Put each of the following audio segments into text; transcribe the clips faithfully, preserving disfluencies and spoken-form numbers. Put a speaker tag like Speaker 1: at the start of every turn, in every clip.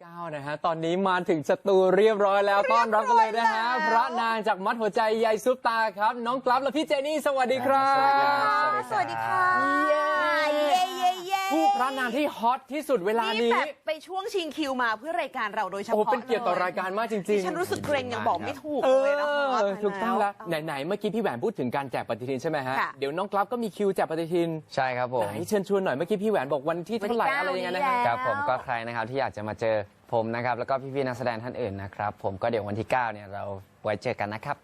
Speaker 1: เก้านะฮะตอนนี้มาถึงสตูเรียบร้อยแล้วต้อนรับกันเลยนะฮะพระนางจากมัดหัวใจยายซุปตาครับน้องกลับและพี่เจนี่สวัสดีครับ
Speaker 2: สวัสดีค่ะ
Speaker 1: เย้ผู้พระนางที่ฮอตที่สุดเวลานี้
Speaker 2: แบบไปช่วงชิงคิวมาเพื่อรายการเราโดยเฉพาะ
Speaker 1: โอ้เป็นเกียรติต่อรายการมากจริงๆ
Speaker 2: ฉันรู้สึกเกรงยังบอกไม่ถูกเลยนะ
Speaker 1: ถูกต้องแล้วไหนๆเมื่อกี้พี่แหวนพูดถึงการแจกปฏิทินใช่ไหมฮะเดี๋ยวน้องกลับก็มีคิวแจกปฏิทิน
Speaker 3: ใช่ครับผม
Speaker 1: ไหนเชิญชวนหน่อยเมื่อกี้พี่แหวนบอกวันที่เท่าไหร่อะไรยังไงนะครับ
Speaker 3: ผมก็ใครนะครับที่อยากจะมาเจอผมนะครับแล้วก็พี่ๆนักแสดงท่านอื่นนะครับผมก็เดี๋ยววันที่เก้าเนี่ยเราไว้เจอกันนะครับ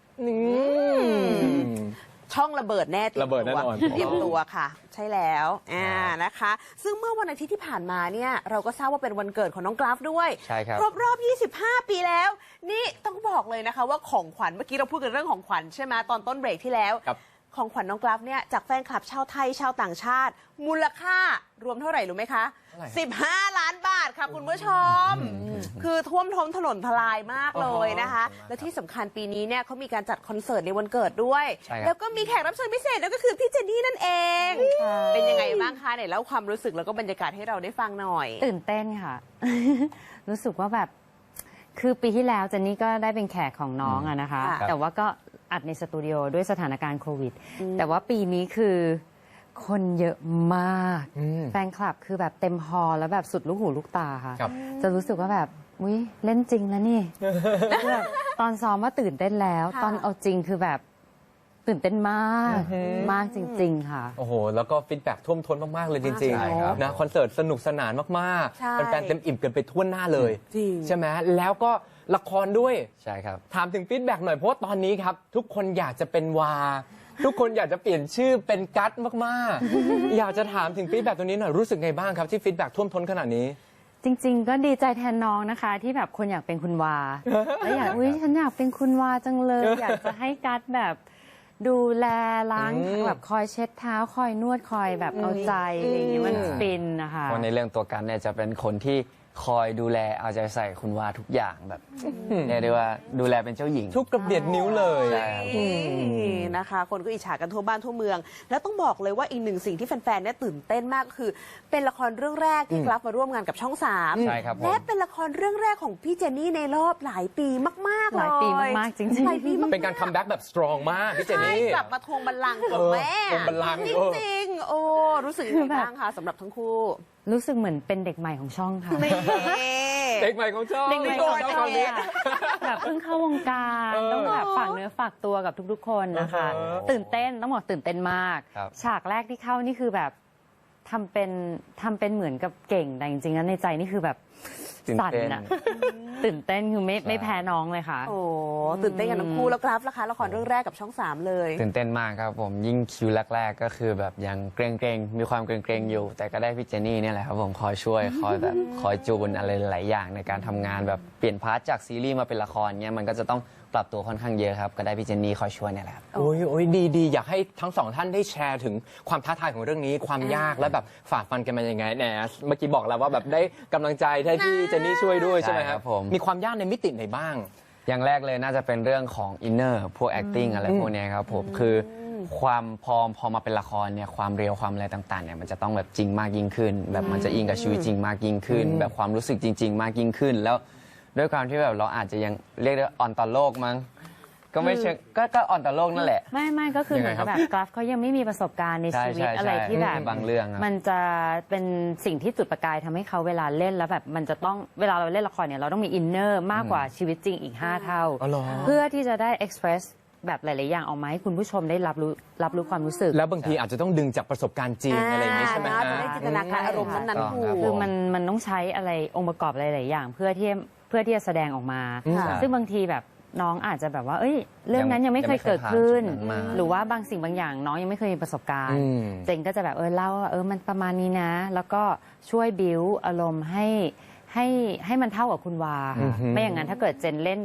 Speaker 2: ช่องระเบิดแน่
Speaker 1: ระเบิดแน่นอน
Speaker 2: เตรียมตัวค่ะใช่แล้วอ่านะคะซึ่งเมื่อวันอาทิตย์ที่ผ่านมาเนี่ยเราก็ทราบว่าเป็นวันเกิดของน้องกราฟด้วย
Speaker 3: ใช่ครับ
Speaker 2: ครบรอบยี่สิบห้าปีแล้วนี่ต้องบอกเลยนะคะว่าของขวัญเมื่อกี้เราพูดกันเรื่องของขวัญใช่ไหมตอนต้นเบรกที่แล้วของขวัญน้องกราฟเนี่ยจากแฟนคลับชาวไทยชาวต่างชาติมูลค่ารวมเท่าไหร่รู้ไหมคะสิบห้าล้านบาทค่ะคุณผู้ชมคือท่วมท้นถนนทลายมากเลยนะคะและที่สำคัญปีนี้เนี่ยเขามีการจัดคอนเสิร์ตในวันเกิดด้วยแล้วก็มีแขกรับเชิญพิเศษนั่นก็คือพี่เจนนี่นั่นเองเป็นยังไงบ้างคะเนี่ยแล้วความรู้สึกแล้วก็บรรยากาศให้เราได้ฟังหน่อย
Speaker 4: ตื่นเต้นค่ะ รู้สึกว่าแบบคือปีที่แล้วเจนนี่ก็ได้เป็นแขกของน้องอะนะคะแต่ว่าก็อัดในสตูดิโอด้วยสถานการณ์โควิดแต่ว่าปีนี้คือคนเยอะมากแฟนคลับคือแบบเต็มฮอลแล้วแบบสุดลูกหูลูกตาค่ะจะรู้สึกว่าแบบอุ้ยเล่นจริงนะนี่แบบตอนซ้อมว่าตื่นเต้นแล้วตอนเอาจริงคือแบบตื่นเต้นมากมากจริงๆค่ะ
Speaker 1: โอ้โหแล้วก็ฟีดแบ็กท่วมท้นมากๆเลยจริงๆนะคอนเสิร์ตสนุกสนานมากๆแฟนๆเต็มอิ่มกันไปทั่วหน้าเลยใช่ไหมแล้วก็ละครด้วย
Speaker 3: ใช่ครับ
Speaker 1: ถามถึงฟีดแบ็กหน่อยเพราะว่าตอนนี้ครับทุกคนอยากจะเป็นวาทุกคนอยากจะเปลี่ยนชื่อเป็นกั๊ดมากๆอยากจะถามถึงฟีดแบ็กตรงนี้หน่อยรู้สึกไงบ้างครับที่ฟีดแบ็กท่วมท้นขนาดนี้
Speaker 4: จริงๆก็ดีใจแทนน้องนะคะที่แบบคนอยากเป็นคุณวาแล้วอยากอุ้ยฉันอยากเป็นคุณวาจังเลยอยากจะให้กั๊ดแบบดูแลล้างแบบคอยเช็ดเท้าคอยนวดคอยแบบเอาใจอะไรอย่างเงี้ยมันฟินนะคะ
Speaker 3: เพราะในเรื่องตัวกันเนี่ยจะเป็นคนที่คอยดูแลเอาใจใส่คุณวาทุกอย่างแบบเรียกได้ว่าดูแลเป็นเจ้าหญิง
Speaker 1: ทุกกระเบียดนิ้วเลย
Speaker 2: นะคะคนก็อิจฉากันทั่วบ้านทั่วเมืองแล้วต้องบอกเลยว่าอีกหนึ่งสิ่งที่แฟนๆเนี่ยตื่นเต้นมากก็คือเป็นละครเรื่องแรกที่กลับมาร่วมงานกับช่องสามและเป็นละครเรื่องแรกของพี่เจนนี่ในรอบหลายปีมากๆเลย
Speaker 4: หลายปีมากๆจริง
Speaker 1: ๆเป็นการคัมแบ็กแบบสตรองมากพี่เจนนี่
Speaker 2: กลับมาทวงบัลลังก์ของแม่
Speaker 1: ทวงบัลลังก์
Speaker 2: จริงๆโอ้รู้สึกยังไงบ้างคะสำหรับทั้งคู่
Speaker 4: รู้สึกเหมือนเป็นเด็กใหม่ของช่องค่ะ
Speaker 1: เด็กใหม่ของช่อง
Speaker 4: เด็กใหม่ของช่องแบบเพิ่งเข้าวงการต้องแบบฝากเนื้อฝากตัวกับทุกๆคนนะคะตื่นเต้นต้องบอกตื่นเต้นมากฉากแรกที่เข้านี่คือแบบทำเป็นทำเป็นเหมือนกับเก่งแต่จริงๆแล้วในใจนี่คือแบบสั่นอะตื่นเต้นคือไม่ไม่แพ้น้องเลยค่ะ
Speaker 2: โอ้ตื่นเต้นกันทั้งคู่แล้วครับละคะละครเรื่องแรกกับช่องสามเลย
Speaker 3: ตื่นเต้นมากครับผมยิ่งคิวแรกๆก็คือแบบยังเกรงๆมีความเกรงๆอยู่แต่ก็ได้พี่เจนนี่เนี่ยแหละครับผมคอยช่วยคอยแบบคอยจูนอะไรหลายอย่างในการทำงานแบบเปลี่ยนพาร์ทจากซีรีส์มาเป็นละครเนี่ยมันก็จะต้องปรับตัวค่อนข้างเยอะครับก็ได้พี่เจนนี่คอยช่วยเนี่ยแหละครับ
Speaker 1: โอ้ยโอ้ยดีดีอยากให้ทั้งสองท่านได้แชร์ถึงความท้าทายของเรื่องนี้ความยากและแบบฝ่าฟันกันมายังไงแหนเมื่อกี้บอกแล้วว่าแบบได้กำลังใจที่พี่เจนนี่ช่วยด้วยใช่ไหมครับมีความยากในมิติไหนบ้าง
Speaker 3: อย่างแรกเลยน่าจะเป็นเรื่องของอินเนอร์พวก acting อะไรพวกนี้ครับผมคือความพอพอมาเป็นละครเนี่ยความเรียวความอะไรต่างๆเนี่ยมันจะต้องแบบจริงมากยิ่งขึ้นแบบมันจะอิงกับชีวิตจริงมากยิ่งขึ้นแบบความรู้สึกจริงๆมากยิ่งขึ้นแล้วด้วยความที่แบบเราอาจจะยังเรียกได้อ่อนต่อโลกมั้งก็ไม่เชิงก็ก็อ่อนต่อโลกนั่นแหละ
Speaker 4: ไม่ไม่ก็คือเหมือนกับแบบกราฟเขายังไม่มีประสบการณ์ในชีวิตอะไรที่แบบ
Speaker 3: บางเรื่อง
Speaker 4: มันจะเป็นสิ่งที่จุดประกายทำให้เขาเวลาเล่นแล้วแบบมันจะต้องเวลาเราเล่นละครเนี่ยเราต้องมีอินเนอร์มากกว่าชีวิตจริงอีกห้าเท่าเพื่อที่จะได้เอ็กซ์เพรสแบบหลายๆอย่างออกมาให้คุณผู้ชมได้รับรู้รับรู้ความรู้สึก
Speaker 1: แล้วบางทีอาจจะต้องดึงจากประสบการณ์จริงอะไรอย่างนี้ใช่ไหมฮะ
Speaker 2: จะได้จินตนาการอารมณ์นั้นๆถูก
Speaker 4: คือมันมันต้องใช้อะไรองค์ประกอบหลายๆอย่างเพื่อที่เพื่อที่จะแสดงออกมาซึ่งบางทีแบบน้องอาจจะแบบว่าเอ้ยเรื่องนั้นยังไม่เคยเกิดขึ้นหรือว่าบางสิ่งบางอย่างน้องยังไม่เคยมีประสบการณ์เจนก็จะแบบเออเล่าว่าเออมันประมาณนี้นะแล้วก็ช่วยบิ้วอารมณ์ให้ให้ให้มันเท่ากับคุณวาไม่อย่างนั้นถ้าเกิดเจนเล่นแบบ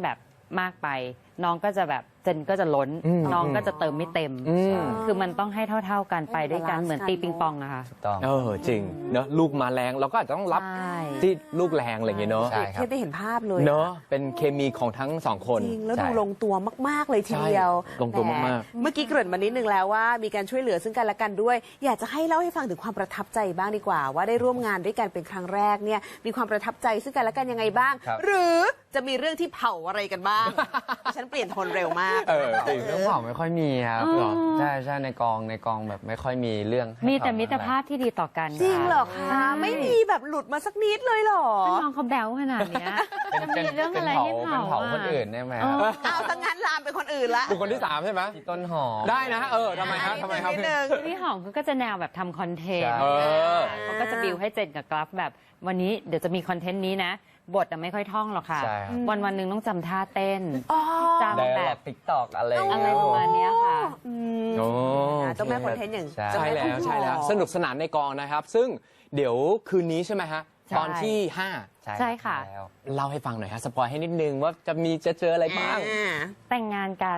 Speaker 4: มากไป น้องก็จะแบบเจนก็จะล้น
Speaker 1: อืม
Speaker 4: น้องก็จะเติมไม่เต็ม
Speaker 1: อืม
Speaker 4: คือมันต้องให้เท่า ๆกันไปด้วยกันเหมือนตีปิงปองนะคะ
Speaker 3: ถูกต้อง
Speaker 1: เออจริงเนอะลูกมาแรงเราก็อาจจะต้องรับ
Speaker 4: ใช่
Speaker 1: ที่ลูกแรงอะไรอย่างเงี้ยเนอะ
Speaker 3: ใช่
Speaker 2: เทียบได้เห็นภาพเลยอ
Speaker 1: เนอะเป็นเคมีของทั้งสองคน
Speaker 2: จริงแล้ว
Speaker 3: ใช่
Speaker 2: ดูลงตัวมาก ๆ เลยทีเดียว
Speaker 1: ใช่ลงตัวมาก
Speaker 2: ๆเมื่อกี้เกริ่นมานิดนึงแล้วว่ามีการช่วยเหลือซึ่งกันและกันด้วย อยากจะให้เล่าให้ฟังถึงความประทับใจบ้างดีกว่า ว่าได้ร่วมงานด้วยกันเป็นครั้งแรกเนี่ยมีความประทับใจซึ่งกันและกันยังไงบ้าง
Speaker 3: ครับ
Speaker 2: หรือจะมีเรื่องที่เผาอะไรกันบ้าง ฉันเปลี่ยนโทนเร็วมาก
Speaker 1: เออจริง
Speaker 3: เรื่องเผาไม่ค่อยมีครับ
Speaker 4: อ๋อ
Speaker 3: หรอใช่ใช่ในกองในกองแบบไม่ค่อยมีเรื่องให้
Speaker 4: มีแต่
Speaker 3: เผ
Speaker 4: มิตรภาพที่ดีต่อกัน
Speaker 2: จริงเหรอ
Speaker 4: ใช่
Speaker 2: คะไม่มีแบบหลุดมาสักนิดเลยเหรอ
Speaker 4: ก็น้องเขาแบวขนาดเนี้ย
Speaker 3: เป็นเป็น
Speaker 4: จะมีเรื่อง
Speaker 3: เป็น
Speaker 4: อะไร
Speaker 3: เผา
Speaker 4: ให้
Speaker 3: เป็น
Speaker 4: เผา
Speaker 3: เผา
Speaker 4: อะ
Speaker 3: คนอื่นได้ไหม
Speaker 4: เอ
Speaker 3: ครับ
Speaker 4: อ
Speaker 2: เอาสังงั้นลามเป็นคนอื่นละ
Speaker 1: บุคคลที่สามใช่ไหม
Speaker 3: พี่ต้นหอม
Speaker 1: ได้นะ เออทำไมครับทำไมครับ
Speaker 2: นิดนึง
Speaker 4: พี่หอมเขาก็จะแนวแบบทำคอนเทนต์
Speaker 3: ใช่
Speaker 1: เออ
Speaker 4: เขาก็จะบิวให้เจนกับกราฟแบบวันนี้เดี๋ยวจะมีคอนเทนต์นี้นะ บทอะไม่ค่อยท่องหรอกค่ะ
Speaker 3: ใช่ครับ
Speaker 4: วันวันๆหนึ่งต้องจำท่าเต้น
Speaker 2: อ๋อ
Speaker 4: จำ
Speaker 3: ได
Speaker 4: แบ
Speaker 3: ร์
Speaker 4: บ
Speaker 3: ติ๊กตอกอะไรอย่าง
Speaker 4: อะ
Speaker 3: เงี้ย
Speaker 4: ไรประมาณเนี้ยค่ะ
Speaker 2: อืม
Speaker 1: โอ้
Speaker 2: เจ้าแม่คอนเทนต์อย่าง
Speaker 3: ใช่
Speaker 2: เจ้า
Speaker 1: ใช่
Speaker 2: ม่
Speaker 1: แล้ว
Speaker 2: ต้นหอม
Speaker 1: ใช่แล้วสนุกสนานในกองนะครับ ซึ่งเดี๋ยวคืนนี้ใช่ไหมฮะ
Speaker 4: ใช่
Speaker 1: ตอนที่ห้า
Speaker 4: ใช่ค่ะ
Speaker 3: แล้ว
Speaker 1: เล่าให้ฟังหน่อยฮะสปอยให้นิดนึงว่าจะมีจะเจออะไรบ้าง
Speaker 2: อ่า
Speaker 4: แต่งงานกัน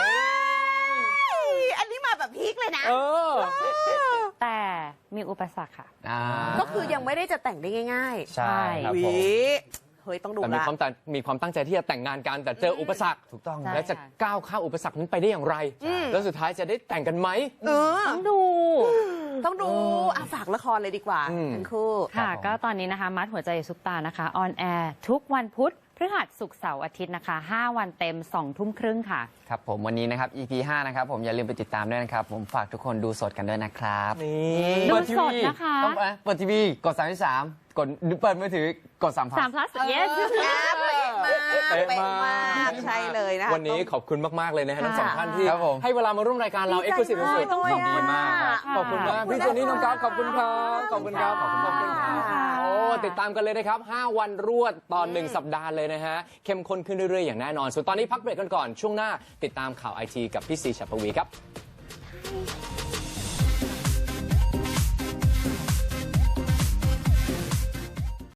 Speaker 2: อันนี้มาแบบพีคเลยนะ
Speaker 1: เออ
Speaker 4: แต่มีอุปสรรคค่ะ
Speaker 3: อ่า
Speaker 2: ก็คือยังไม่ได้จะแต่งได้ง่าย
Speaker 3: ใช่ครับ
Speaker 2: ๆ
Speaker 3: ผม
Speaker 2: วิเฮ้ยต้องดู
Speaker 1: แต่มี
Speaker 2: ละ
Speaker 1: ความตั้งมีความตั้งใจที่จะแต่งงานกันแต่เจออุปสรรค
Speaker 3: ถูกต้อง
Speaker 4: ใช่
Speaker 1: และจะก้าวข้ามอุปสรรคนั้นไปได้อย่างไร แล้วสุดท้ายจะได้แต่งกันไหม
Speaker 2: เออ
Speaker 4: ต้องดู
Speaker 2: ต้องดูอ่ะฝากละครเลยดีกว่า
Speaker 1: อืม
Speaker 2: ทั้งคู่
Speaker 4: ค่ะ
Speaker 3: ครับผม
Speaker 4: ก็ตอนนี้นะคะ มัดหัวใจซุปตานะคะ ออนแอร์ทุกวันพุธพฤหัสศุกร์เสาร์อาทิตย์นะคะ ห้า วันเต็ม สอง ทุ่มครึ่งค่ะ
Speaker 3: ครับผมวันนี้นะครับ อี พี ห้านะครับผมอย่าลืมไปติดตามด้วยนะครับ ผมฝากทุกคนดูสดกันด้วยนะครับ
Speaker 1: นี่
Speaker 4: ดู
Speaker 3: เปิดที
Speaker 4: ส
Speaker 3: วี
Speaker 4: ดนะคะ
Speaker 3: ต้องเอ้ยเปิดทีวีกดสามสามกดเปิดมือถือกดสามพัน
Speaker 4: สาม plus yes
Speaker 2: อ่ะเป๊ะมาก
Speaker 1: เป๊ะ
Speaker 2: เป๊ะ
Speaker 1: มาม
Speaker 2: าก กใช่เลยนะคะ
Speaker 1: วันนี้ขอบคุณมาก ๆ เลยนะฮะทั้งสอง
Speaker 4: ค่ะ
Speaker 1: ท่านที่
Speaker 3: ครับผม
Speaker 1: ให้เวลามาร่วมรายการเรา
Speaker 2: ดี
Speaker 1: เอ็ก
Speaker 2: ใจ
Speaker 1: ซ์คลูซีฟสุด
Speaker 2: มากเลย
Speaker 1: ๆดีมากครับ
Speaker 4: ค่ะ
Speaker 1: ขอบคุณมาก
Speaker 2: ขอบคุณ
Speaker 1: พี่เจนนี่น้องกราฟขอบคุณครับ ขอบคุณครับ
Speaker 3: ขอบคุณครับ
Speaker 1: ขอบคุณครับ
Speaker 2: ค่ะ
Speaker 1: โอ้ติดตามกันเลยนะครับ ห้า วันรวดตอนหนึ่งสัปดาห์เลยนะฮะ เข้มข้นขึ้นเรื่อย ๆ อย่างแน่นอน ส่วนตอนนี้พักเบรกกันก่อน ช่วงหน้าติดตามข่าวไอทีกับพี่ซีชัปวีครับ